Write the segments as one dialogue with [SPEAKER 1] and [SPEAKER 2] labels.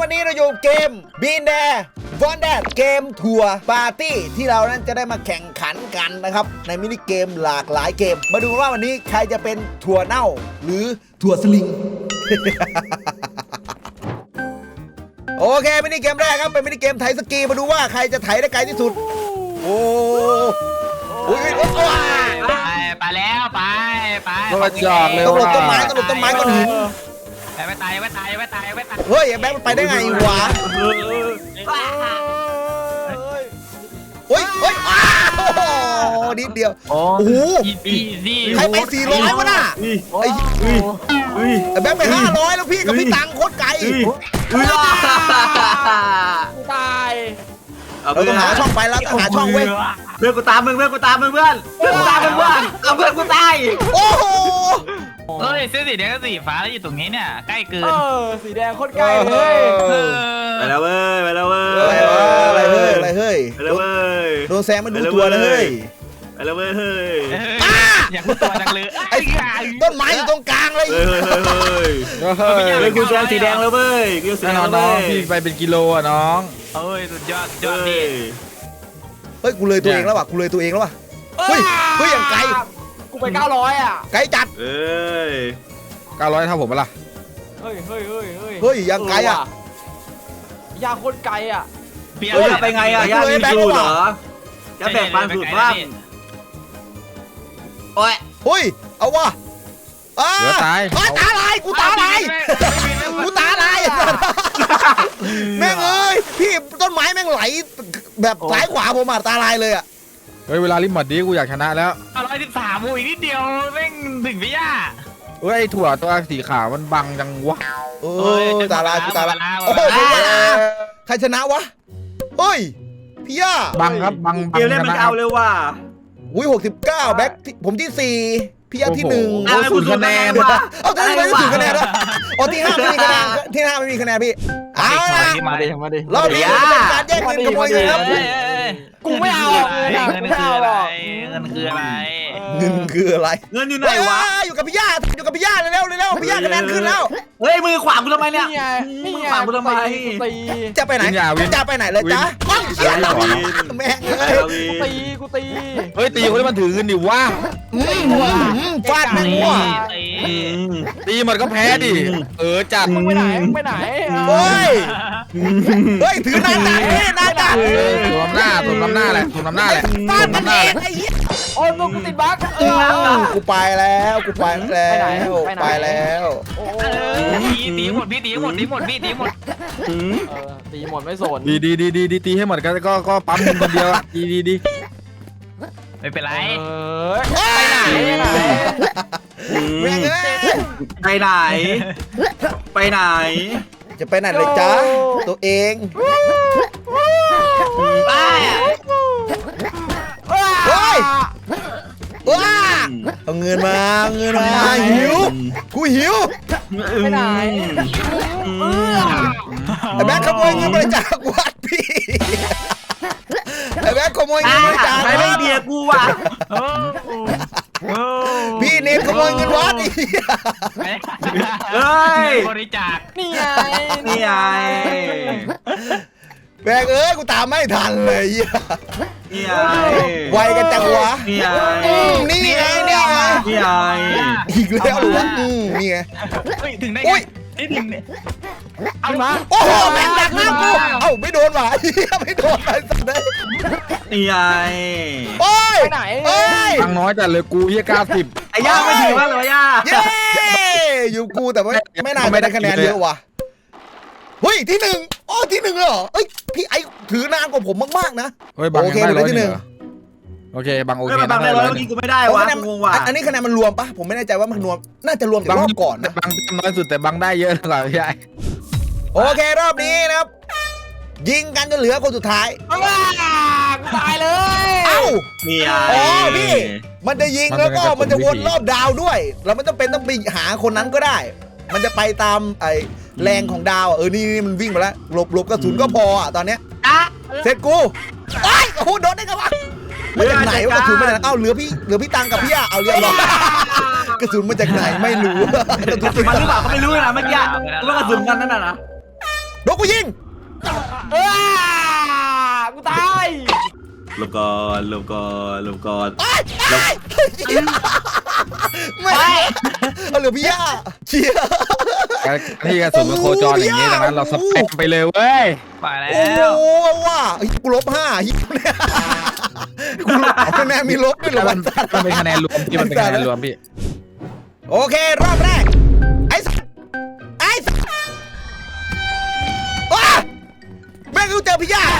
[SPEAKER 1] วันนี้เราอยู่เกมบีนแดวอนแดดเกมทัวร์ปาร์ตี้ที่เรานั้นจะได้มาแข่งขันกันนะครับในมินิเกมหลากหลายเกมมาดูว่าวันนี้ใครจะเป็นถั่วเน่าหรือถั่วสลิง โอเคมินิเกมแรกครับเป็นมินิเกมไถสกีมาดูว่าใครจะไถได้ไกลที่สุดโอ้ย
[SPEAKER 2] ไปแล้วไป
[SPEAKER 3] ต้องมาจอดเลย
[SPEAKER 1] ต้องหลบต้นไม้ต้องหลบต้นไม้ก้อนหิน
[SPEAKER 2] ไม่ตาย
[SPEAKER 1] เฮ้ยแบงค์มันไปได้ไงวะเฮ้ยโอ้โหนิดเดียวโอ้โหใครไป400วะน่ะไอ้แบงค์ไป500แล้วพี่กับพี่ตังโคตรไกล
[SPEAKER 4] ตาย
[SPEAKER 1] เราต้องหาช่องไปแล้วต้องหาช่องเว้ย
[SPEAKER 3] เพื่อนกูตามมึงเพื่อนกูตามมึงเพื่อนกูตามมึงเพื่อนเอาเพื่อนกูตาย
[SPEAKER 1] โอ้โห
[SPEAKER 2] เฮ้ยเสื้อสีแดงกับสีฟ้าอยู่ตรงนี้เนี่ยใกล้เกิน
[SPEAKER 4] สีแดงโคตรใกล้เลย
[SPEAKER 3] ไปแล้วเว้ยไปแล้วเว้ย
[SPEAKER 1] อะไรเฮ้ยไปแล้วเว้ยโดนแซงมาดูตัวนะเฮ้ย
[SPEAKER 3] ไปแล้วเว้ยเฮ้ย
[SPEAKER 2] อยากรู้ตัวจังเลย
[SPEAKER 1] ไอ้ต้นไม้อยู่ตรงกลางเลย
[SPEAKER 3] เฮ้ยกูแซงสีแดงแล้วเว้ยกูสีแดงน้องพี่ไปเป็นกิโลอ่ะน้อง
[SPEAKER 2] เฮ้ยสุดยอดดี
[SPEAKER 1] เฮ้ยกูเลยตัวเองแล้วว่ะเฮ้ยอย่างไกล
[SPEAKER 4] กูไป900อ่ะ
[SPEAKER 1] ไกลจัด
[SPEAKER 3] 900เท่าผมปะล่ะ
[SPEAKER 4] เฮ้ย
[SPEAKER 1] อย่างไกลอ่ะ
[SPEAKER 4] ยาโคตรไกลอ่ะ
[SPEAKER 3] ไปไงอ่ะย่ามีดูเหรอจะแบ่งปันสุดบ้างโอ้ย
[SPEAKER 1] เฮ้ยเอาวะ
[SPEAKER 3] เดี๋ยวตาย
[SPEAKER 1] ตาลายกูตาลายแม่งเอ้ยพี่ต้นไม้แม่งไหลแบบสายขวาผมตาลายเลยอ่ะ
[SPEAKER 3] เฮ้ยเวลาลิมหมดดีกูอยากชนะแล้ว
[SPEAKER 2] 113อีกนิดเดียวแม่งถึงพี่ย่า
[SPEAKER 3] เฮ้ยถั่วตัวสีขาวมันบังจังวะ
[SPEAKER 1] ตาลายโอ้โหใครชนะวะเฮ้ยพี่ย่า
[SPEAKER 3] บังครับบังเกมเล่นมันเอาเลยว่ะ
[SPEAKER 1] อุ้ย69แบ็คผมที่4พี่ย่าที่1
[SPEAKER 3] เอา0คะแนน
[SPEAKER 1] เอาจะไม่0คะแนนแล้วอ๋อที่5ไม่มีคะแนนไม่มีคะแนนพี่เอาล่ะรอบนี้เป็นการแย่งเงินขโมยเงินครับ
[SPEAKER 4] กูไม่เอา
[SPEAKER 2] เงินคืออะไรเงินอยู่ไหน
[SPEAKER 1] วะอยู่กับพี่ย่าเร็วพี่ย่าคะแนนขึ้นแล้ว
[SPEAKER 3] เฮ้ยมือขวางกูทำไมเนี่ย
[SPEAKER 4] นี่
[SPEAKER 3] ขวางกูทำไม
[SPEAKER 1] จะไปไหนเลยจ๊ะเชี่ยแม่ง
[SPEAKER 4] กูตี
[SPEAKER 3] เฮ้ยตีคนที่มันถือเงินดิวะ
[SPEAKER 1] ฟาดแม่งว่ะ
[SPEAKER 3] ตีมันก็แพ้ดิจัด
[SPEAKER 4] มึงไปไหน
[SPEAKER 1] เฮ้ยถือหน้าจัด
[SPEAKER 3] สวมหน้าแหละ
[SPEAKER 1] ฟาดมันเองไอ้เหี้ย
[SPEAKER 4] โอ้ยมึงกูติดบั๊ก
[SPEAKER 1] กูไปแล้ว
[SPEAKER 2] ตีหมดตีหมด
[SPEAKER 4] ไม่สน
[SPEAKER 3] ดีตีให้หมดก็ปั๊มคนเดียวดี
[SPEAKER 2] ไม่เป็นไร
[SPEAKER 3] ไปไหน
[SPEAKER 1] จะไปไหนเลยจ้าตัวเองเอาเงินมาหิวกูหิว
[SPEAKER 4] ไปไหน
[SPEAKER 1] ไอ้แบ๊กขโมยเงินบริจาควัดพี่ไอ้แบ๊กขโมยเงินบริจาค
[SPEAKER 3] ไม่เบียกูว่ะ
[SPEAKER 1] พี่เนมขโมยเงินวัดอีก
[SPEAKER 2] บริจาค
[SPEAKER 4] นี่ไง
[SPEAKER 1] แบ๊กกูตามไม่ทันเลยไวกันจังวะนี่ไงอีกแล้ววะนี่ไง
[SPEAKER 2] ถึงได้
[SPEAKER 1] เอามาโอ้โหแม่งดักหน้ากูไม่โดนว่ะไม่โดนไอ้สัตว์เลย
[SPEAKER 3] นี่ไง
[SPEAKER 1] โอ้ย
[SPEAKER 4] ไหน
[SPEAKER 3] ตังน้อยจัดเลยกู90ไอ้ย่าไม่ถือว่าเลยย่า
[SPEAKER 1] อยู่กูแต่ไม่น่าไม่ได้คะแนนเยอะว่ะเฮ้ยที่1ที่1เหรอพี่ไอถือนานกว่าผมมากๆนะโอเคเลยที่1
[SPEAKER 3] โอเคบังโอเค
[SPEAKER 1] บังได้ร้อยกูไม่ได้วะอันนี้คะแนนมันรวมปะผมไม่แน่ใจว่ามันรวมน่าจะรวมจากรอบก่อนนะ
[SPEAKER 3] บังน้อยสุดแต่บังได้เยอะกว่าพี่ไอ
[SPEAKER 1] โอเครอบนี้นะครับยิงกันจนเหลือคนสุดท้าย
[SPEAKER 4] ตายเลย
[SPEAKER 1] พี่มันจะยิงแล้วก็มันจะวนรอบดาวด้วยเราไม่ต้องไปหาคนนั้นก็ได้มันจะไปตามไอแรงของดาวนี่มันวิ่งมาแล้วหลบกระสุนก็พอตอนเนี้ยเสร็จกูโอ้โหโดนได้ไงวะมาจากไหนวะกระสุนมาจากเหลือพี่ตังกับพี่เอาเรียบร้อยกระสุนมาจากไหนไม่รู้
[SPEAKER 3] กระสุนมันหรือเปล่าก็ไม่รู้นะเมื่อกี้ว่ากระสุนกันนั่นน่ะนะ
[SPEAKER 1] โดกูยิง
[SPEAKER 4] กูตาย
[SPEAKER 3] หลบก่อนหลบก่อนหลบก่อน
[SPEAKER 1] ไม่เอาเหลือพี่ย่าเชียร์
[SPEAKER 3] ที่กระสุนมันโคจรอย่างนี้ดังนั้นเราสเปคไปเลยเว้ย
[SPEAKER 2] ไปแล้
[SPEAKER 1] โอ้
[SPEAKER 2] ว
[SPEAKER 1] โหว่ากูลบ5เนี่ยกูลบคะแนนมีลบด้วยเหรอวะ
[SPEAKER 3] มันเป็นคะแนนรวมพี่มันเป็นคะแนนรวมพี่
[SPEAKER 1] โอเครอบแรกไอ้สัสว้าแม่งกูเจอพี่ย่า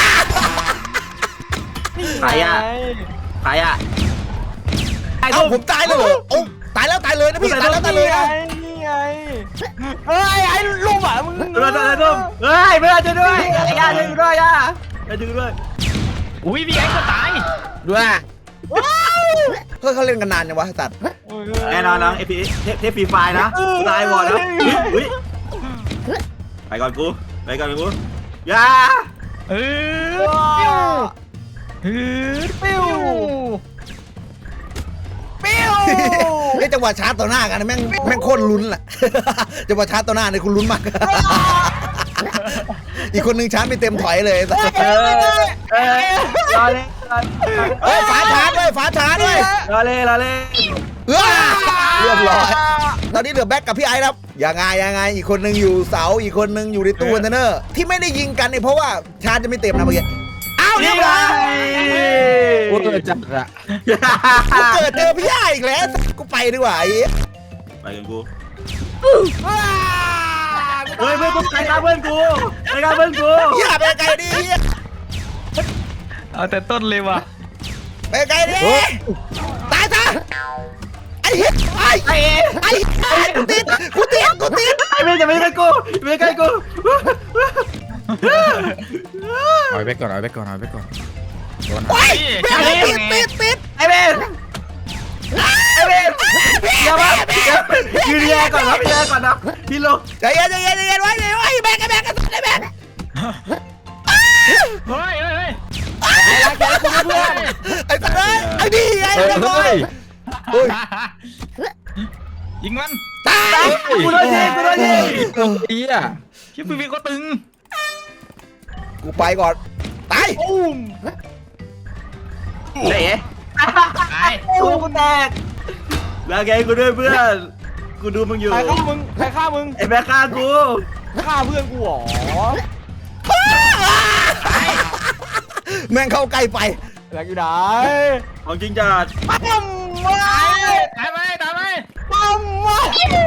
[SPEAKER 3] ใครอะใครอะ
[SPEAKER 1] เอ้าผมตายเลยเหรอโอ้ตายแล้วตายเลยนะพี่ตายแล้วตายเลยนะ
[SPEAKER 4] นี่ไงเฮ้ยไอ้ลูกอ่ะมึง
[SPEAKER 3] เราจะร่วมเฮ้ยไม่ได้จะด้วยไอ้ย่าดึงด้วยย่าดึงด้วย
[SPEAKER 2] อุ้ยพี่ไอ้ก็ตาย
[SPEAKER 1] ด้วยเฮ้ยเขาเล่นกันนานยังวะสัตว์
[SPEAKER 3] แน่นอนน้องเอพีเทปฟรีไฟนะตายบอดแล้วไปก่อนกูไปก่อนกูย่า
[SPEAKER 2] เออ
[SPEAKER 4] ปิ้วปิ้ว
[SPEAKER 1] ไอ้จังหวะชาร์จต่อหน้ากันแม่งโคตรลุ้นแหละจังหวะชาร์จต่อหน้าเนี่ยคุณลุ้นมากอีกคนนึงชาร์จไม่เต็มถอยเลย
[SPEAKER 3] รอเลย
[SPEAKER 1] เฮ้ยฝาชาร์จด้วยฝาชาร์จด้วย
[SPEAKER 3] รอเลย
[SPEAKER 1] เรียบร้อยตอนนี้เหลือแบ็กกับพี่ไอ้ครับยังไงอีกคนนึงอยู่เสาอีกคนนึงอยู่ในตู้คอนเทนเนอร์ที่ไม่ได้ยิงกันเนี่ยเพราะว่าชาร์จจะไม่เต็มนะเมื่อกี้อ้าวเรียบร้อย
[SPEAKER 3] กูเกิดจัดอะ
[SPEAKER 1] กูเกิดเจอพี่ไอ้อีกแล้วกูไปดีกว่าไอ้
[SPEAKER 3] ไปกันกูเฮ้ยเพื่อนกูใครฆ่าเพื่อนกูใครฆ่าเพื่อนกู
[SPEAKER 1] อย่าไปไกลดิ
[SPEAKER 2] เอาแต่ต้นเลยว่ะ
[SPEAKER 1] ไปไกลดิตายซะไอ้เหี้ยไอ้กูติด
[SPEAKER 3] ไอ้เพื่อนจะไม่ใกล้กูไม่ใกล้กู
[SPEAKER 5] เอาไปก่อน
[SPEAKER 1] โอ้ยติด
[SPEAKER 3] ไอ้เพื่อนอย่ามายืนแย่ก่อนนะพี่แย่ก่อนนะพี่ลง
[SPEAKER 1] ใจเย็นไว้แบกกันไอ้แบก
[SPEAKER 2] เฮ้ย
[SPEAKER 1] ไอ้สัตว์ไอ้ดีไอ้เรียบร้อยโอ้ย
[SPEAKER 2] ยิงมัน
[SPEAKER 1] ตาย
[SPEAKER 3] กูโดนยิง
[SPEAKER 5] เฮีย
[SPEAKER 2] ชิปปี้ก็ตึง
[SPEAKER 1] กูไปก่อนตาย
[SPEAKER 3] เละ
[SPEAKER 2] ตาย
[SPEAKER 3] กูแตกแล้วแกกูด้วยเพื่อนกูดูมึงอยู่
[SPEAKER 4] ใครฆ่ามึง
[SPEAKER 3] ไอ้แม่ฆ่ากู
[SPEAKER 4] ฆ่าเพื่อนกูหรอ
[SPEAKER 1] แม่งเข้าใกล้ไป
[SPEAKER 4] แหลกอยู่ไหน
[SPEAKER 3] ของจริงจัด
[SPEAKER 4] ปั๊มมา
[SPEAKER 2] ตายไป
[SPEAKER 4] ปั๊มมา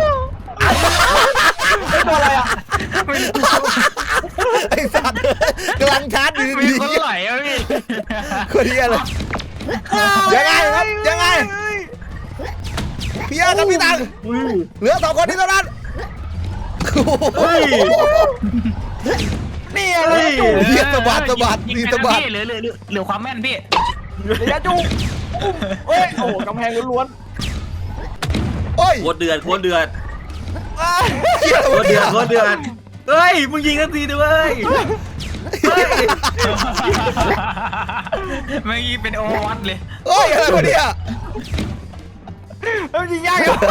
[SPEAKER 4] ตัวอะไรอ่ะ
[SPEAKER 1] ไอ้สัตว์กำลังชาร์จอยู่
[SPEAKER 2] มี
[SPEAKER 1] ดี
[SPEAKER 2] คนไหลอ่ะพี่
[SPEAKER 1] คนนี้อะไรยังไงครับยังไงพี่ยากับพี่ตังเหลือ2คนนี้เท่านั้น
[SPEAKER 4] นี่อะไรจุก
[SPEAKER 1] เฮียสะบัดมีสะบัด
[SPEAKER 2] เหลือความแม่นพี่
[SPEAKER 4] ระยะจุกเฮ้ยโอ้กำแพงล้วน
[SPEAKER 1] โอ้ย
[SPEAKER 3] โคตรเดือด
[SPEAKER 1] เฮีย
[SPEAKER 3] โคตรเดือดเฮ้ยมึงยิงกันทีด้วยเฮ้ย
[SPEAKER 2] เมื่อกี้เป็นโอวัตเลย
[SPEAKER 1] โอ้ยอะไรวะเนี่ย
[SPEAKER 4] เฮ้ยยิงยากอยู่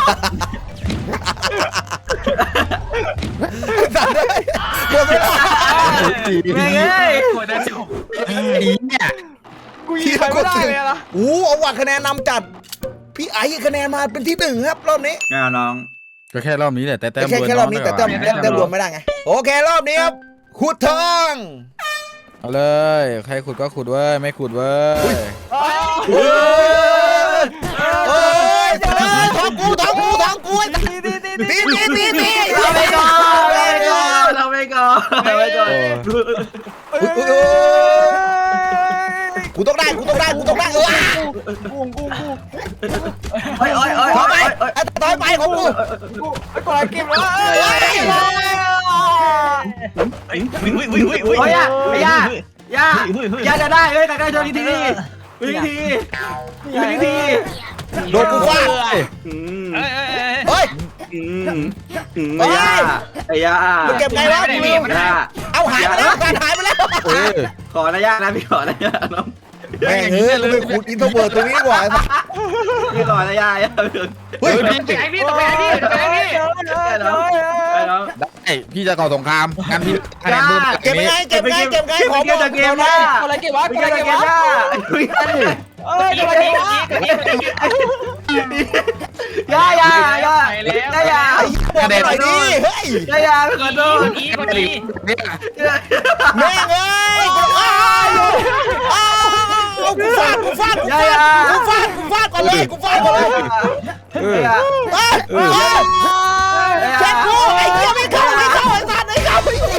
[SPEAKER 1] สัตว์เลยหมดเวลา
[SPEAKER 2] กดจะจบ
[SPEAKER 5] เนี่ย
[SPEAKER 4] กูยิงใครไม่ได้เลยนะ
[SPEAKER 1] เอาว่ะคะแนนนำจัดพี่ไอ้คะแนนมาเป็นที่1ครับรอบนี้
[SPEAKER 3] แน่น้อง
[SPEAKER 5] ก็แค่รอบนี้แหละแต่แต้ม
[SPEAKER 1] แค่รอบนี้แต่แต้มรวมไม่ได้ไงโอเครอบนี้ครับขุดทอง
[SPEAKER 5] เอาเลยใครขุดก็ขุดเว้ยไม่ขุดเว้ย
[SPEAKER 1] เฮ้ยทองกูตี
[SPEAKER 3] เราไปก่อน
[SPEAKER 1] กูต้องได้
[SPEAKER 4] กุ้ง
[SPEAKER 3] โอ้ย
[SPEAKER 1] ถอยไปของกู
[SPEAKER 4] ไอ้ก่อนเก็บแล้ว
[SPEAKER 3] โอ้ยย่าจะได้เฮ้ยแต่ใกล้โดนที
[SPEAKER 1] โดนกูฟาดเฮ้ย
[SPEAKER 3] ไอ้ย่า
[SPEAKER 1] มันเก็บไงวะเอาหายไปแล้วการหายไปแล้ว
[SPEAKER 5] เออ
[SPEAKER 3] ขอนะย่านะพี่ขอนะย่าน้อง
[SPEAKER 1] แม่งเอ้ยกูไปขุดอินโทรเวิร์ตตรงนี้ดีกว่า
[SPEAKER 6] พี่หล่อนะยาย
[SPEAKER 1] เฮ้ย
[SPEAKER 2] ไอพี่ต้องไปไอพี่ต้องไปไอพี่
[SPEAKER 5] ได้พี่จะก่อสงครามงั้นพี่คะแนนเพิ่มจาก
[SPEAKER 1] เก็บ
[SPEAKER 5] นี้
[SPEAKER 1] ไงเก็บไงเก็บไงขอบอก
[SPEAKER 6] เกมนะ
[SPEAKER 4] อะไรเก็บวะ
[SPEAKER 6] ไม่
[SPEAKER 4] อะไร
[SPEAKER 6] ใช่
[SPEAKER 4] เก็บ
[SPEAKER 6] เกม
[SPEAKER 4] วะ
[SPEAKER 6] นะ
[SPEAKER 4] เอ้ยอะไรเก็บวะ
[SPEAKER 6] ยายายายา
[SPEAKER 2] ไปแล้ว
[SPEAKER 6] ยา
[SPEAKER 1] ไอ้บอกหน่อยดิเฮ้ย
[SPEAKER 6] ยาขอโทษ
[SPEAKER 2] อีกที
[SPEAKER 5] เนี่ย
[SPEAKER 1] แม่งเอ้ยกูอ้าวกูฟาดก่อนเลยกูฟาดก่อนเลยแจ็คกูไอ้เหี้ยไม่เข้าไอ้สัตว์ไม่เข้า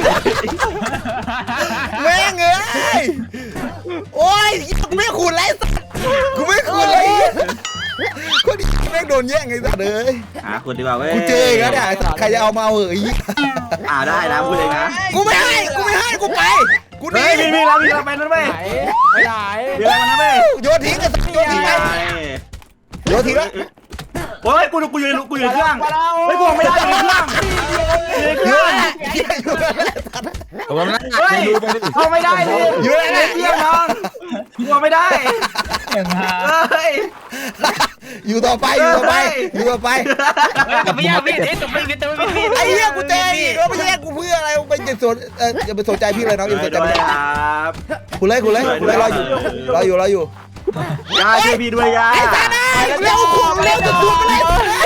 [SPEAKER 1] แม่งเอ้ยโอ้ยกูไม่ขุดเลยสัตว์กูไม่ขุดเลยคนนี้แม่งโดนแย่งไอ้สัตว์เลย
[SPEAKER 6] คุณดีกว่าเว้ย
[SPEAKER 1] กูเจออีกแล้วเนี่ยใครจะเอามาเหอะไอ้เหี้ย
[SPEAKER 6] ได้นะพูดเลยนะ
[SPEAKER 1] กูไม่ให้กูไปกูหนี
[SPEAKER 6] มีเราไปนั่นเว้ย
[SPEAKER 4] ไหนไปไหน
[SPEAKER 6] เดี๋ยวมันนะเว้ย
[SPEAKER 1] โยนทิ้งกันโยนทิ้งไปโยนทิ้งแล้ว
[SPEAKER 6] โอ้ยกูยืนเครื่องเฮ้ยกูไม่ได้ยืนเครื่อง
[SPEAKER 1] โยนเหี้ยอยู่นั่นแหละสัตว์
[SPEAKER 5] ผมว่านั่ง
[SPEAKER 6] เฮ้ย
[SPEAKER 5] ดูไปดิ
[SPEAKER 6] เอาไม่ได้ดิ
[SPEAKER 1] อยู่นั่นแหละ
[SPEAKER 6] เยี่ยมน้องกูไม่ได้
[SPEAKER 2] อย่างฮา
[SPEAKER 6] เฮ้ย
[SPEAKER 1] อยู่ต่อไปอยู่ต่อไป
[SPEAKER 2] ไม่ยากพี่เอ๊ะแต่ไม่พี่แต่ไม่พี่
[SPEAKER 1] ไอ้เหี้ยกูเจออีกแล้วไม่แย่งกูเพื่ออะไรไปอย่าไปสนใจพี่เลยน้องอย่าไปสนใจ
[SPEAKER 6] ด้วย
[SPEAKER 1] พี่
[SPEAKER 6] ครับ
[SPEAKER 1] คุณเลยรออยู่
[SPEAKER 6] ยาช่วยพี่ด้วยยา
[SPEAKER 1] ไอ้สัตว์เร็วขุดเร็วจะขุดเลย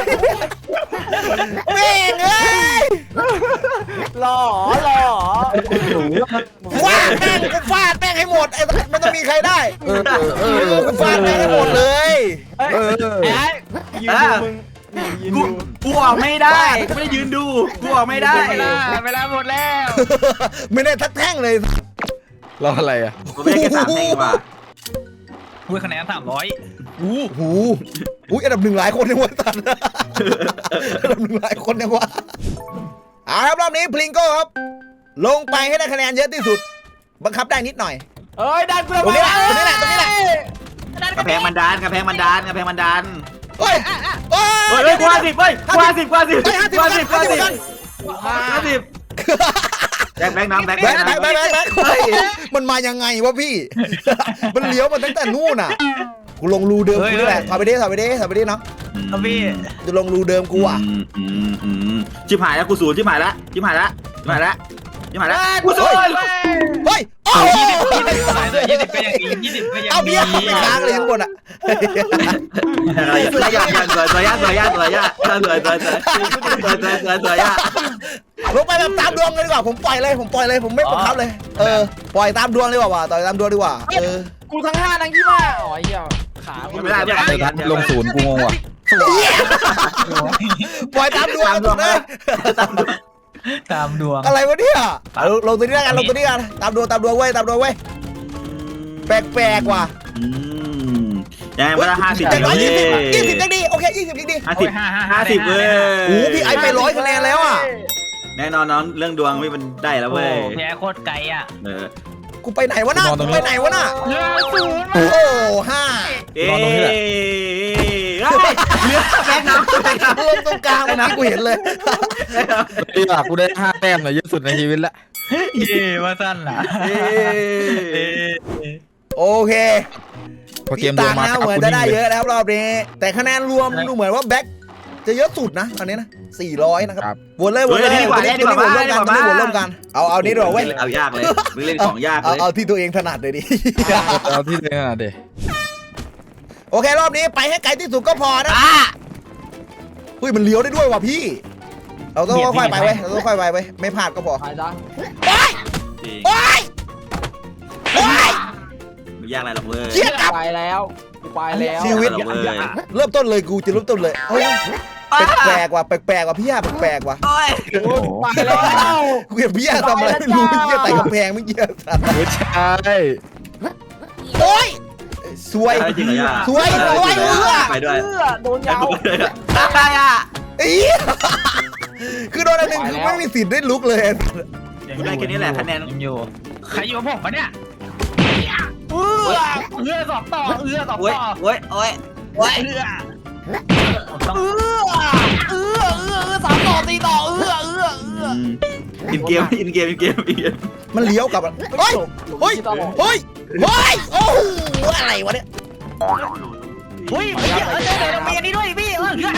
[SPEAKER 1] แม่งเอ้ย
[SPEAKER 4] หล่อ
[SPEAKER 1] ฟาดแม่งให้หมดไอ้มันจะมีใครได้
[SPEAKER 5] เออ
[SPEAKER 1] กูฟาดแม่งให้หมดเลย
[SPEAKER 4] ยืนดูมึงยืนดู
[SPEAKER 6] กูออกไม่ได้กูไม่ได้ยืนดูกูออกไม่ได้
[SPEAKER 2] เวลาหมดแล้ว
[SPEAKER 1] ไม่ได้ทักแท่งเลย
[SPEAKER 5] รออะไรอ่ะ
[SPEAKER 6] กูไม่ได้แค่3 แท่งว่ะ
[SPEAKER 2] พูดคะแนน300
[SPEAKER 1] หูอุ้ยอันดับ1หลายคนยังวะตันอันดับ1หลายคนยังวะครับรอบนี้พลิงโก้ครับลงไปให้ได้คะแนนเยอะที่สุดบังคับได้นิดหน่อย
[SPEAKER 4] เอ้ยดันกู
[SPEAKER 1] ตรงนี้แหละตรงนี้แหละ
[SPEAKER 6] กระแพงมันดันกระแพงมันดัน
[SPEAKER 1] เฮ้ย
[SPEAKER 6] เฮ้ยกว่า10เฮ้ยกว่า10แบงน้ำแบง
[SPEAKER 1] แบกมันมายังไงวะพี่ มันเลี้ยวมาตั้งแต่นู่นอ่ะกูลงรูเดิมกูนี่แหละถอยไปดิเนาะ
[SPEAKER 2] พี่
[SPEAKER 1] จะลงรูเดิมกูอ่ะ
[SPEAKER 6] ชิบหายแล้วกูศูนย์ชิบหายแล้วกูศูนย์
[SPEAKER 1] เฮ้ยโอ้
[SPEAKER 2] 20สายเลย20ก็ยังดี20ก็ยัง
[SPEAKER 1] เอา
[SPEAKER 2] ดี
[SPEAKER 1] เบี้ยไม่ค้างเลยข้างบนอ่ะ
[SPEAKER 6] สวยยา
[SPEAKER 1] ลงไปแบบตามดวงเลยดีกว่าผมปล่อยเลยผมไม่บังคับเลยปล่อยตามดวงดีกว่าต่อยตามดวงดีกว่า
[SPEAKER 4] กูทั้ง5ทั้ง25อ๋อเหี้ยขา
[SPEAKER 6] ไม่ได้
[SPEAKER 5] ลงศูนย์กูงงว่ะ
[SPEAKER 1] ปล่อยตามดวงเลย
[SPEAKER 2] ตามดวง
[SPEAKER 1] อะไรวะเนี่ยลงตัวนี้กันตามดวงเว้ยแปลกว่ะ
[SPEAKER 6] ยังไม่ได้50
[SPEAKER 1] 20ยังดีโอเค20ยังดี
[SPEAKER 6] 50เว้ย
[SPEAKER 1] โอ้พี่ไอไป100คะแนนแล้วอ่ะ
[SPEAKER 6] แน่นอนน้องเรื่องดวงไม่เป็นได้แล้ว
[SPEAKER 2] โอ้
[SPEAKER 6] เว้ย
[SPEAKER 2] แพ้โคตรไกลอ่ะ
[SPEAKER 1] กูไปไหนวะน่ะโอ้5
[SPEAKER 2] 0
[SPEAKER 6] เอ๊ะ
[SPEAKER 1] เ
[SPEAKER 6] ลือแบงน้ำ
[SPEAKER 1] ริ่มตรงกลางวันนี้กูเห็นเลย
[SPEAKER 5] กูได้5 แต้มเลยเยอะสุดในชีวิตละ
[SPEAKER 2] เย่ว่าสั้นล่ะ
[SPEAKER 1] โอเค
[SPEAKER 5] พอเกมรวมมา
[SPEAKER 1] เหมือนจะได้เยอะแล้วรอบนี้แต่คะแนนรวมดูเหมือนว่าแบ็คจะเยอะสุดนะตอนนี้นะ400นะครับวนเลยวนร่วมกันเอานี้ดีกว่าเว้ย
[SPEAKER 6] เอายากเลยมึงเล่นของยากเลย
[SPEAKER 1] เอาที่ตัวเองถนัดเลยดิ
[SPEAKER 5] เอาที่เลยนะเด็
[SPEAKER 1] โอเครอบนี้ไปให้ไกลที่สุดก็พอนะเฮ้ยมันเลี้ยวได้ด้วยว่ะพี่เราต้องค่อยๆไปเว้ยไม่พลาดก็พอ
[SPEAKER 4] ไปจ้ะ
[SPEAKER 1] โอ๊ย
[SPEAKER 6] ไม่ยากอะไรหรอกเว้ย
[SPEAKER 1] เชี่ยกลับ
[SPEAKER 4] ไปแล้วกูไปแล้ว
[SPEAKER 1] ชีวิตเริ่มต้นเลยกูจะเริ่มต้นเลยแปลกว่ะพี่ย่าแปลกว่ะ
[SPEAKER 4] ไปแล้ว
[SPEAKER 1] กูเห็นพี่ย่าทำอะไรไม่รู้พี่ย่าแต่กำแพงไม่เกี่ยวสัตว์
[SPEAKER 5] ไม่ใช่
[SPEAKER 1] โอ๊ยสวย
[SPEAKER 6] จริงเหรอย่า
[SPEAKER 1] สวย
[SPEAKER 6] ไปด้วย
[SPEAKER 4] โดนยาว
[SPEAKER 6] ไปอ่ะ
[SPEAKER 1] คือโดนอันหนึ่งคือไม่มีสิทธิ์ได้ลุกเลย
[SPEAKER 6] ได้แค่นี้แหละคะแนน
[SPEAKER 2] ยังอยู่ใครอยู่ผมปะเนี่ยสอบต่อสอบ
[SPEAKER 6] โอ้ย
[SPEAKER 2] ต่อ
[SPEAKER 6] โอ้ยโอ้ย
[SPEAKER 2] ต้อง
[SPEAKER 4] 3 ต่อ 4 ต่อ
[SPEAKER 6] อินเกม
[SPEAKER 1] มันเลี้ยวกลับเฮ้ยเฮ้ยโอ้โหอะไรวะเนี่ย
[SPEAKER 2] อุ้ยเดี๋ยวมีอันนี้ด้วยพี่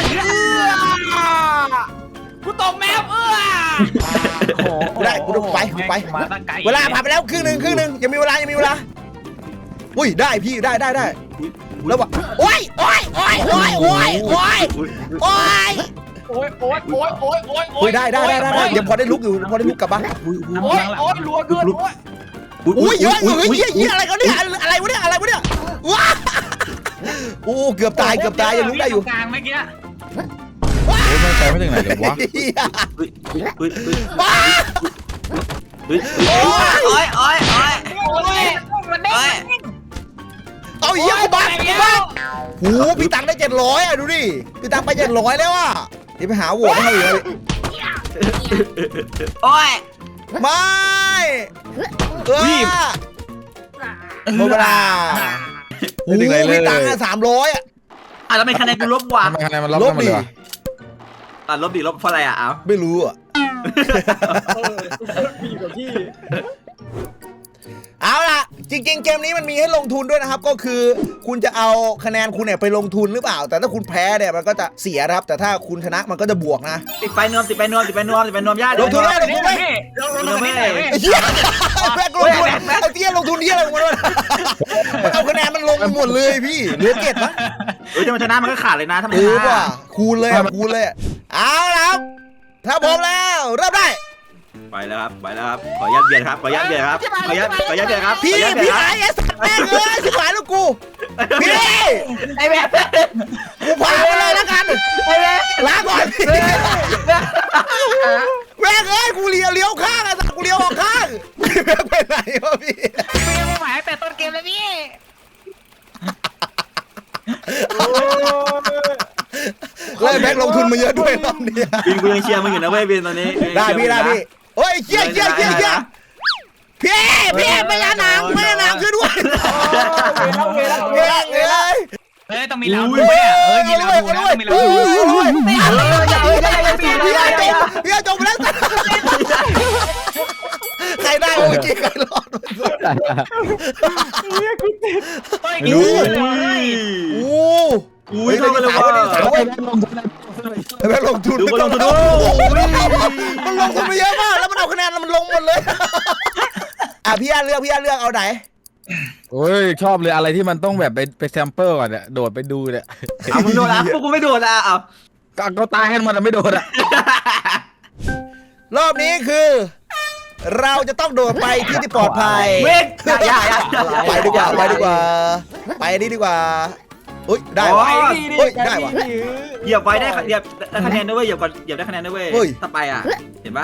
[SPEAKER 2] กูตกแมว
[SPEAKER 1] กูได้กูต้องไป
[SPEAKER 2] มาตั้งไกล
[SPEAKER 1] เวลาผ่านไปแล้วครึ่งหนึ่งยังมีเวลาอุ้ยได้พี่ได้แล้ววะโอ้ยได้เดี๋ยวพอได้ลุกอยู่พอได้ลุกกลับบ้าน
[SPEAKER 4] รัวเกิน
[SPEAKER 1] อุ้ยเยอะเฮ้ยอะไรกันเนี่ยอะไรวะเนี่ยว้าโอ้เกือบตายยังลุกได้อยู่
[SPEAKER 2] กลางเมื่อกี้
[SPEAKER 5] โอ้ยไม่ไปไม่ถึงไหนเลยวะ
[SPEAKER 1] ว้า
[SPEAKER 2] มันได้
[SPEAKER 1] เอาเยอะบ้าโอ้พี่ตังได้700อ่ะดูดิพี่ตังไป700แล้วอ่ะเดี๋ยวไปหาโหวตให้เขาอีกไม่หมดเวลาโอ้พี่ตังอ่ะ300อ่ะ
[SPEAKER 6] แล้วไม่คะแนนกูลบว่ะ
[SPEAKER 5] ทำไมคะแนนมันลบกันหมดเลยวะ
[SPEAKER 6] ลบเพราะอะไรอ่ะเอา
[SPEAKER 1] ไม่รู้อ่ะ
[SPEAKER 4] พี่กับพี่
[SPEAKER 1] เอาล่ะจริงๆเกมนี้มันมีให้ลงทุนด้วยนะครับก็คือคุณจะเอาคะแนนคุณเนี่ยไปลงทุนหรือเปล่าแต่ถ้าคุณแพ้เนี่ยมันก็จะเสียครับแต่ถ้าคุณชนะมันก็จะบวกนะ
[SPEAKER 6] ติดไปนวมญาติ
[SPEAKER 1] ลงทุนไหม
[SPEAKER 2] ลงทุนนี่
[SPEAKER 1] ไอ้เหี้ยแบกลงทุนไอ้เตี้ยลงทุนนี่อะไรของมันวะเอาคะแนนมันลงหมดเลยพี่เหลือ7มั้ง
[SPEAKER 6] ถ้ามันชนะมันก็ขาดเลยนะถ้ามันช
[SPEAKER 1] ว่ะ
[SPEAKER 6] นะ
[SPEAKER 1] คูณเลยเอาละครับถ้าพร้อมแล้วเริ่มได้
[SPEAKER 6] ไปแล้วครับขอยัดเบียดครับ
[SPEAKER 1] พี่ไอ้สัตว์แม่งเลยชิบหายแล้วกูพี่
[SPEAKER 6] ไอ้แม่
[SPEAKER 1] กูพาไปเลยแล้วกันลาก่อนพี่แม่งเอ้ยกูเลี้ยวข้างอะสัตว์กูเลี้ยวออกข้างแม่งไปไหนวะพี่
[SPEAKER 2] ไม่หมายแต่ต้นเกมเลยพี่
[SPEAKER 1] เลยแม็กลงทุนมาเยอะด้วยรอบนี้
[SPEAKER 6] บินกูยังเชียร์มึงอยู่นะเว้ยบินตอนนี้
[SPEAKER 1] ได้พี่โอ้ยเชี่ยพี่ไม่ยานางช่วยด้วยแม่งเลย
[SPEAKER 2] ต้องมีเราด้วยมีเราด้วยต้องมีเราด้วย
[SPEAKER 1] พี่จบแล้วใครได้เมื่อกี้ใครรอด
[SPEAKER 2] รู้
[SPEAKER 6] อุ้ยเข้ากันเลยว่ะ
[SPEAKER 1] แม่ลงทุน
[SPEAKER 6] ดูมันลงทุนดู
[SPEAKER 1] มันลงทุนไปเยอะมากแล้วมันเอาคะแนนมันลงหมดเลยพี่เลือกเอาไหน
[SPEAKER 5] โอ้ยชอบเลยอะไรที่มันต้องแบบไปแซมเปิลก่อนเนี่ยโดดไปดูเนี่ย
[SPEAKER 6] เอามึงโดนอ่ะพวกกูไม่โดนอ่ะเอา
[SPEAKER 5] ก็ตายให้มันไม่โดดอ่ะ
[SPEAKER 1] รอบนี้คือ เราจะต้องโดดไปที่ปลอดภัย
[SPEAKER 6] เว้ยอย่า
[SPEAKER 1] ไปดีกว่าไปนี่ดีกว่าอุ้ยได้วะได้วะ
[SPEAKER 6] เหยียบไว้ได้คะแนนด้วยเว้ยเหยียบได้คะแนนด้วยเว้ยถ้าไปอ่ะเห็นปะ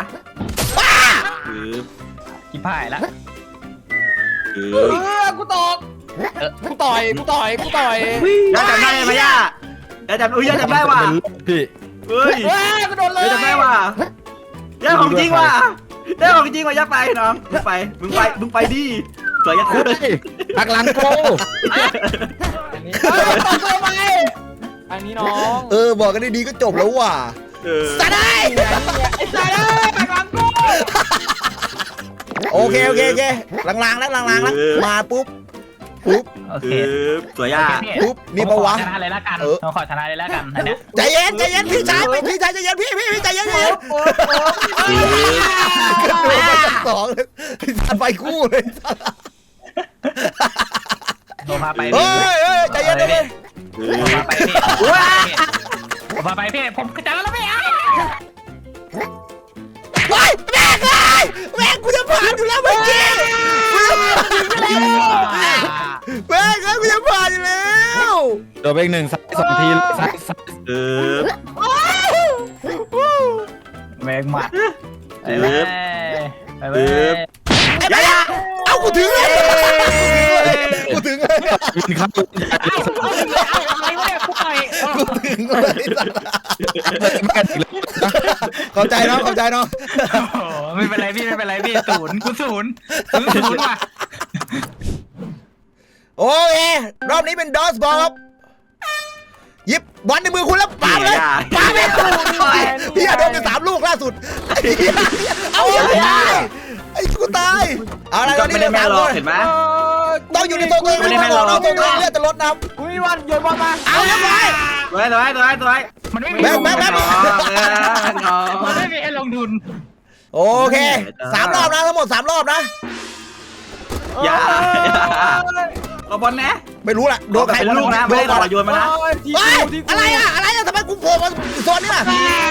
[SPEAKER 2] กี่พ่ายละ
[SPEAKER 4] กูตกกูต่อย
[SPEAKER 6] ย่าจำได้ไหมย่าจำได้ว่ะ
[SPEAKER 5] พี่
[SPEAKER 6] เฮ้ย
[SPEAKER 4] กูโดนเลย
[SPEAKER 6] จำได้ว่ะย่าของจริงว่ะย่าไปน้องมึงไปดิสวยย่า
[SPEAKER 5] คุยหักหลังโก
[SPEAKER 4] อันนี้น้อง
[SPEAKER 1] บอกกันดีๆก็จบแล้วว่ะสะได้
[SPEAKER 4] ไอ้สายเลยหลังกู
[SPEAKER 1] โอเคล้างแล้วมาปุ๊บ
[SPEAKER 2] โอเค
[SPEAKER 6] สวยย่า
[SPEAKER 1] ปุ๊บนี่ปะวะ
[SPEAKER 2] ชนะเลยละกันขอชนะเลยละกันเนี่ย
[SPEAKER 1] ใจเย็นพี่ชายใจเย็นพี่ใจเย็นกระโดดมาจาก2เลยไปคู่เลย
[SPEAKER 2] โดนพาไป
[SPEAKER 1] เฮ้ยใจเย็น
[SPEAKER 2] พาไปพี่พาไปพี่ผมจะแล้วไม่เอา
[SPEAKER 1] ว้ายแม่งกูจะผ่านอยู่แล้วเมื่อกี้แม่งกูจะผ่านอยู่แล้ว
[SPEAKER 5] โดดไปอีก1 2 ทีซ้าย
[SPEAKER 2] แม่งหมัดไป
[SPEAKER 6] ย่า
[SPEAKER 1] เอากูถึงเลย
[SPEAKER 5] ครับ
[SPEAKER 2] อะไรวะเนี่ยกูไป
[SPEAKER 1] ถึงเลยเข้าใจน้อง
[SPEAKER 2] ไม่เป็นไรพี่ศูนย์ว่ะ
[SPEAKER 1] โอเครอบนี้เป็นดอสบอลครับหยิบบอลในมือคุณแล้วปาเลยพี่โดนไป3 ลูกล่าสุดเอาไอ้กูตายเอาอะไรตอนนี้
[SPEAKER 6] ไม่ได้แม่หรอกเห็นไหม
[SPEAKER 1] ต้องอยู่ในตัวตัวเองเราตัวเองเลือดจะลดน้
[SPEAKER 4] กูมีวันโยนบอลมา
[SPEAKER 1] ำเอาเรียบร้อย
[SPEAKER 6] สวย
[SPEAKER 2] มันไม่มี
[SPEAKER 1] แบ๊ก
[SPEAKER 2] มันไม่มีให้ลงทุน
[SPEAKER 1] โอเค3 รอบนะทั้งหมด3 รอบนะ
[SPEAKER 6] อย่าเอาบอลนะ
[SPEAKER 1] ไม่รู้ล่ะโดนใคร
[SPEAKER 6] เป็นลูกนะไม่ได้ต่อโยนมานะ
[SPEAKER 1] เฮ้ยอะไรอะทำไมกูโผล่มาโซนนี้ล่ะ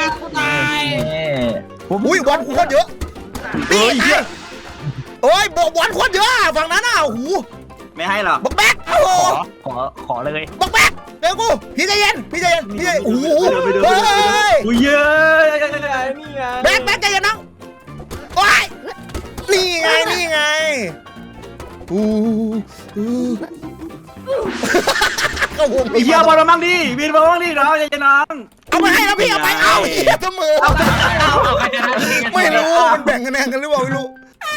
[SPEAKER 1] อุ้ยบอลกูโคตรเยอะพี่ตายโอ้ยบอลโคตรเยอะฝั่งนั้นอ่ะโอ้โห
[SPEAKER 6] ไม่ให้หรอก
[SPEAKER 1] บักแบ๊กโอ้โห
[SPEAKER 2] ขอเลย
[SPEAKER 1] บักแบ๊กเดี๋ยวกูพี่ใจเย็นโอ้โหเฮ้ย
[SPEAKER 6] อุ้ยเยอะ
[SPEAKER 4] นี่ไง
[SPEAKER 1] แบ๊กใจเย็นน้องโอ้ยนี่ไงก็วง
[SPEAKER 6] ไอ้เหี้ยบอลมาบ้างดิบินมาบ้างดิน้องใจน้อง
[SPEAKER 1] เอาไปให้แล้วพี่เอาไปเอาเสมอไม่รู้มันแบ่งคะแนนกันหรือเปล่าไม่รู้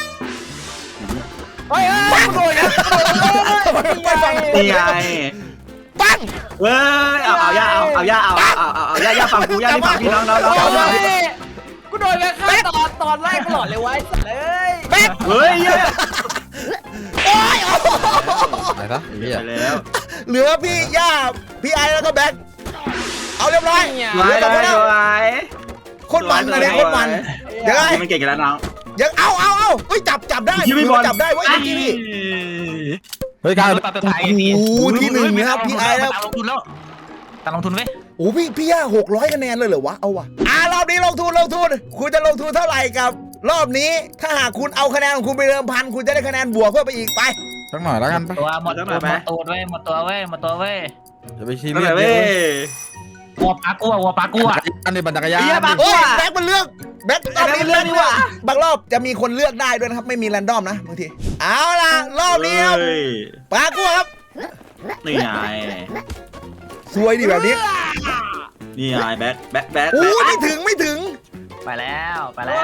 [SPEAKER 4] เฮ้ยกูโดนนะ
[SPEAKER 1] ไปฟัง
[SPEAKER 6] นี่ไง
[SPEAKER 1] ปัง
[SPEAKER 6] เว้ยเอาย่าฟังกูย่าที่ฟังพี่น้อง
[SPEAKER 4] กูโดนกันฆ่าตอนแรกตลอดเลยไว้เลย
[SPEAKER 1] แบ๊ก
[SPEAKER 6] เฮ้ยเยอะ
[SPEAKER 1] โอ้ย
[SPEAKER 5] ไหนซะไอ้เหี้ย
[SPEAKER 6] ไปแล้ว
[SPEAKER 1] เหลือพี่ย่าพี่ไอแล้วก็แบ๊กเอาเรียบร้อย
[SPEAKER 6] สวย
[SPEAKER 1] คนมันนะเนี่ยคนมันเดี๋ยวไง
[SPEAKER 6] มันเก่งกันแล้วน้อง
[SPEAKER 1] ยังเอาเฮ้ยจับได้จับได้เว้ยทีนี่
[SPEAKER 5] เฮ้ยการ
[SPEAKER 2] ตัดไทย
[SPEAKER 1] โอ้โหที่1นะครับพี่ไอแล้ว
[SPEAKER 2] ตัดลงทุนแล้วตัดลงทุนไว้
[SPEAKER 1] โอ้พี่ย่า600คะแนนเลยเหรอวะเอาวะรอบนี้ลงทุนคุณจะลงทุนเท่าไหร่กับรอบนี้ถ้าหากคุณเอาคะแนนของคุณไปเดิมพันคุณจะได้คะแนนบวกเพิ่มไปอีกไป
[SPEAKER 5] สักหน่อยแล้วกันไป
[SPEAKER 2] ตัวหมดตัวเว้ย
[SPEAKER 5] อย่าไปชี้
[SPEAKER 6] นั่น
[SPEAKER 5] เลื
[SPEAKER 6] แห
[SPEAKER 5] อ
[SPEAKER 6] ละ
[SPEAKER 5] ด
[SPEAKER 6] เว้
[SPEAKER 5] เย
[SPEAKER 6] ย
[SPEAKER 5] อะ
[SPEAKER 2] วัวปลากัว
[SPEAKER 5] อันนี้บันจักรยาน
[SPEAKER 6] เหี้ยบัก
[SPEAKER 1] เฮ้ยแบ็คมันเลือกแบ็ครอบนี้
[SPEAKER 6] แบ็คมันเลือกนี่หว่า
[SPEAKER 1] บางรอบจะมีคนเลือกได้ด้วยนะครับไม่มีแรนดอมนะบางทีเอาล่ะรอบนี้ครับปากัวครับ
[SPEAKER 6] นี่ไง
[SPEAKER 1] สวยดีแบบนี้
[SPEAKER 6] นี่ไงแบ็ค
[SPEAKER 1] โอ้ไม่ถึง
[SPEAKER 2] ไปแล้ว
[SPEAKER 6] ไปแล้ว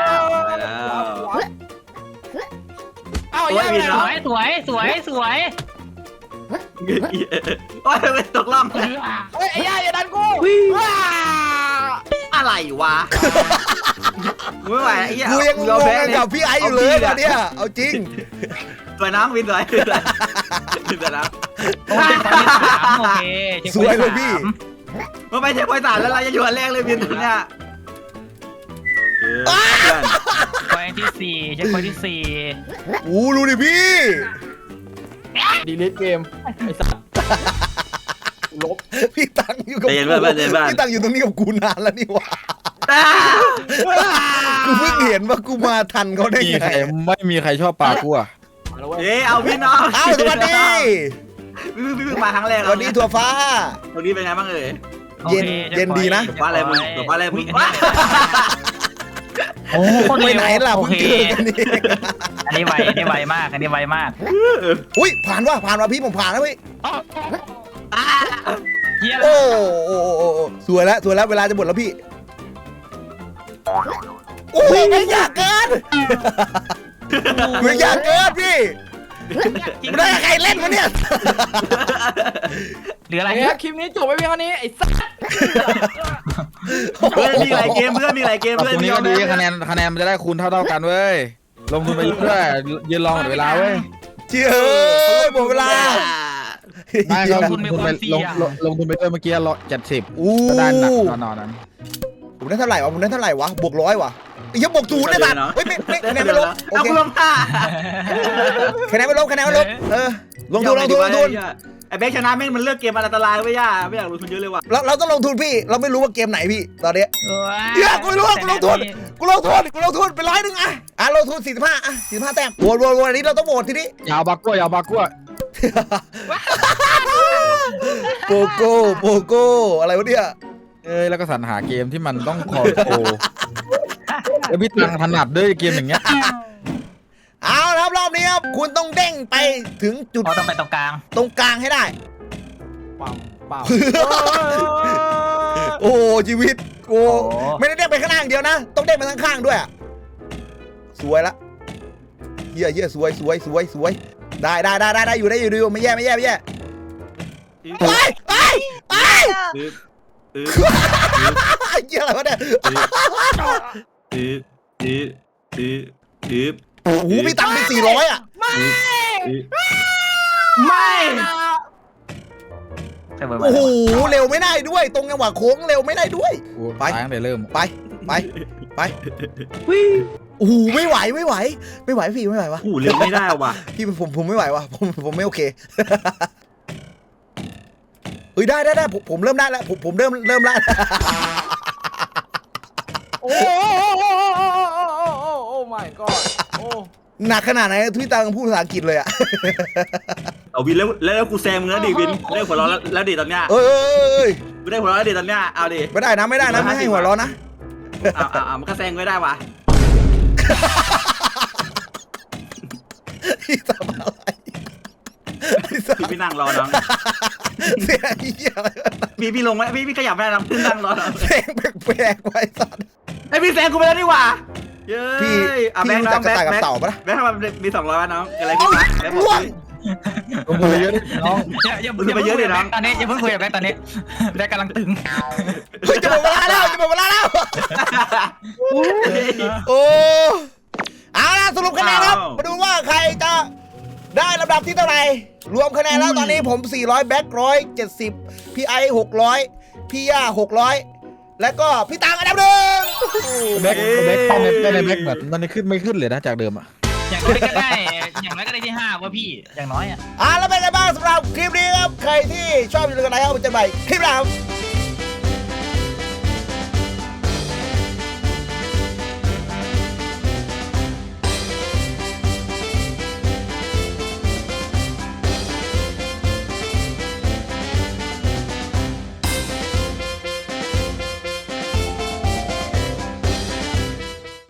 [SPEAKER 4] เอ้า
[SPEAKER 6] โอ้
[SPEAKER 4] แย่
[SPEAKER 6] ย
[SPEAKER 4] ไป
[SPEAKER 6] บิน
[SPEAKER 4] ไหน
[SPEAKER 2] สวย
[SPEAKER 6] โอ้ยไปตกล่อง
[SPEAKER 4] เฮ้ยไอ้ย่าอย่าดันกู
[SPEAKER 6] อะไรวะไม่ไหวไอ้เหี้ย
[SPEAKER 1] กูยังงงกันกับพี่ไออยู่เลยตอนเนี้ยเอาจริง
[SPEAKER 6] สวยน้องวินสวยนะ
[SPEAKER 2] โอเค
[SPEAKER 1] สวยเลยพี่
[SPEAKER 6] มันไปเช็คพอยต์3แล้วเราจะอยู่อันแรกเลยวินเนี่ย
[SPEAKER 2] พอยที่4เช็คพอยที่
[SPEAKER 1] โอ้ดูดิพี่
[SPEAKER 4] ดีลิทเกมไอ้สัสลบ
[SPEAKER 1] พี่ตังอยู่กับกูพี่ตังอยู่ตรงนี้กับกูนานแล้วนี่หว่ากูเพิ่งเห็นว่ากูมาทันเขาได้ไง
[SPEAKER 5] ไม่มีใครชอบปลากูอ่ะ
[SPEAKER 4] มาแล้วเว้ย
[SPEAKER 6] เอ้เอาพี่น้อง
[SPEAKER 1] เอาสวัสดี
[SPEAKER 6] พี่มาครั้งแรก
[SPEAKER 1] สวัสดีถั่วฟ้า
[SPEAKER 6] ตรงนี้เป็นไงบ้างเอ่ย
[SPEAKER 1] เย็นดีนะ
[SPEAKER 6] ว่าอะไรมึง
[SPEAKER 2] โอ้
[SPEAKER 1] ไปไหนล่ะเพิ่งเจอกันนี่
[SPEAKER 2] อันนี้ไวมาก
[SPEAKER 1] อุ้ยผ่านว่ะพี่ผมผ่านแล้วพี่
[SPEAKER 2] เฮีย
[SPEAKER 1] โอ้สวยแล้วเวลาจะหมดแล้วพี่โอ้ยไม่อยากเกินพี่ไม่ได้ใครเล่นวะเนี่ย
[SPEAKER 2] เหลืออะไร
[SPEAKER 4] เนี่ยคลิปนี้จบไปเพียงเท่านี้ไอ้สัส
[SPEAKER 6] เพื่อนมีหลายเกมเพื่อนมีหลายเกม
[SPEAKER 5] ต
[SPEAKER 6] เพื่อน
[SPEAKER 5] รงนี้ก็ดีคะแนนมันจะได้คูณเท่ากันเว้ยลงทุนไปเรื่อยยืนรอหมดเวลาเว้ย
[SPEAKER 1] เจ้ยหมดเวลา
[SPEAKER 5] ไม่ก็ลงทุนไปลงทุนไปด้วยเมื่อกี้70
[SPEAKER 1] อู้
[SPEAKER 5] ก็ได้หนักนอนนั้น
[SPEAKER 1] ผมได้เท่าไหร่วะบวก100วะยังบวก0ได้สัตว์เฮ้ยไม่คะแนนไม่ลบโอ
[SPEAKER 6] เอา
[SPEAKER 1] เค
[SPEAKER 6] กูลงท่า
[SPEAKER 1] คะแนนไม่ลบลงทุน
[SPEAKER 6] ไอ้แบ็คชนะแม่งมันเลือกเกมอันตรายไม่ยากไม่อยากลงทุนเยอะเลยว่ะ
[SPEAKER 1] เราต้องลงทุนพี่เราไม่รู้ว่าเกมไหนพี่ตอนนี้กูไม่รู้ว่ากูลงทุนไป100อ่ะลงทุน4545แต้มโหวตอันนี้เราต้องโหวตทีนี้
[SPEAKER 5] ยาวบากัว
[SPEAKER 1] โปโก้อะไรวะเนี่ย
[SPEAKER 5] แล้วก็สรรหาเกมที่มันต้องคอโแล้วพี่ตังถนัดด้วยเกมอย่างเงี้ย
[SPEAKER 1] เอาละครับรอบนี้ครับคุณต้องเด้งไปถึงจุด
[SPEAKER 2] ต้องไปตรงกลาง
[SPEAKER 1] ให้ได้
[SPEAKER 4] เปล่า
[SPEAKER 1] โอ้ชีวิตโอ้ไม่ได้เด้งไปข้างล่างเดียวนะต้องเด้งไปข้างๆด้วยสวยละเยี่ยสวยได้อยู่ไม่แย่ไปเยี่ยอะไรวะเนี่ยโอ้โหพี่ตังค์ไป400อ่ะ
[SPEAKER 6] ไม่
[SPEAKER 2] แต่เบอร์
[SPEAKER 1] โอ้โหเร็วไม่ได้ด้วย ตรงจังหวะโค้งเร็วไม่ได้ด้วย
[SPEAKER 5] ไปตั้งแต่เริ่ม
[SPEAKER 1] ไปโอ้โหไม่ไหวพี่ไม่ไหววะ
[SPEAKER 6] หูเร็วไม่ได้ว่ะ
[SPEAKER 1] พี่ผมไม่ไหววะผมไม่โอเคเฮ้ยได้ผมเริ่มได้แล้วผมเริ่มแล้ว
[SPEAKER 4] โอ้โอ้ my god โอ้
[SPEAKER 1] หนักขนาดไหนพี่ตังพูดภาษาอังกฤษเลยอะ
[SPEAKER 6] เอาวินแล้วกูแซงมึงแล้วดิวินได้หัวเราะแล้วดิตอนเนี้ย
[SPEAKER 1] เอ้ย
[SPEAKER 6] กูได้หัวเราะแล้วดิตอนเนี้ยเอาดิ
[SPEAKER 1] ไม่ได้นะไม่ให้หัวร้อนนะ
[SPEAKER 6] เอามันก็แซงไม่ได้ว่ะ
[SPEAKER 1] พี่ทำอะไร
[SPEAKER 6] พี่นั่งรอน้อง
[SPEAKER 1] เสียงเหี้ยอะไรวะ
[SPEAKER 6] พี่ลงไหมพี่ขยับไม่ได้น้องพี่นั่งรอน้อง
[SPEAKER 1] เสียงแปลกๆไว้สัตว์
[SPEAKER 6] ไอพี่แซงกูไปแล้วนี่หว่าเย้
[SPEAKER 1] พี่
[SPEAKER 6] แบงค์
[SPEAKER 1] รู้
[SPEAKER 6] น้
[SPEAKER 1] จั
[SPEAKER 6] อก ง
[SPEAKER 1] กระต่ายกับเต่าปะล่ะ
[SPEAKER 6] แบงค์ทำไมมี200วะน้องอะไรขึ้นมาแบงค์บอก
[SPEAKER 1] ล่วง
[SPEAKER 5] ลงมือเยอะดิน้อง
[SPEAKER 2] อย่าเพิ่งคุยกับแบงค์ตอนนี้อย่าเพิ่งคุยกับแบงค์ตอนนี้แบงค์กำลังตึง
[SPEAKER 1] เฮ้ยจะหมดเวลาแล้วโอ้เอาล่ะสรุปคะแนนครับมาดูว่าใครจะได้ลำดับที่เท่าไหร่รวมคะแนนแล้วตอนนี้ผม400แบ็ค170พี่ไอ600พี่ย่า600แล้วก็พี่ตังอันดับหนึ่ง
[SPEAKER 5] แบ็คในแบ็คแบบมันขึ้นไม่ขึ้นเลยนะจากเดิมอ่ะ
[SPEAKER 2] อย่างน้อยก็ได้ที่5ว่าพี่อย่างน้อยอ่ะ
[SPEAKER 1] แล้วเป็นไงบ้างสำหรับคลิปนี้ครับใครที่ชอบอยู่ในกันไหนครับมันจะใหม่คลิปหน้าครับ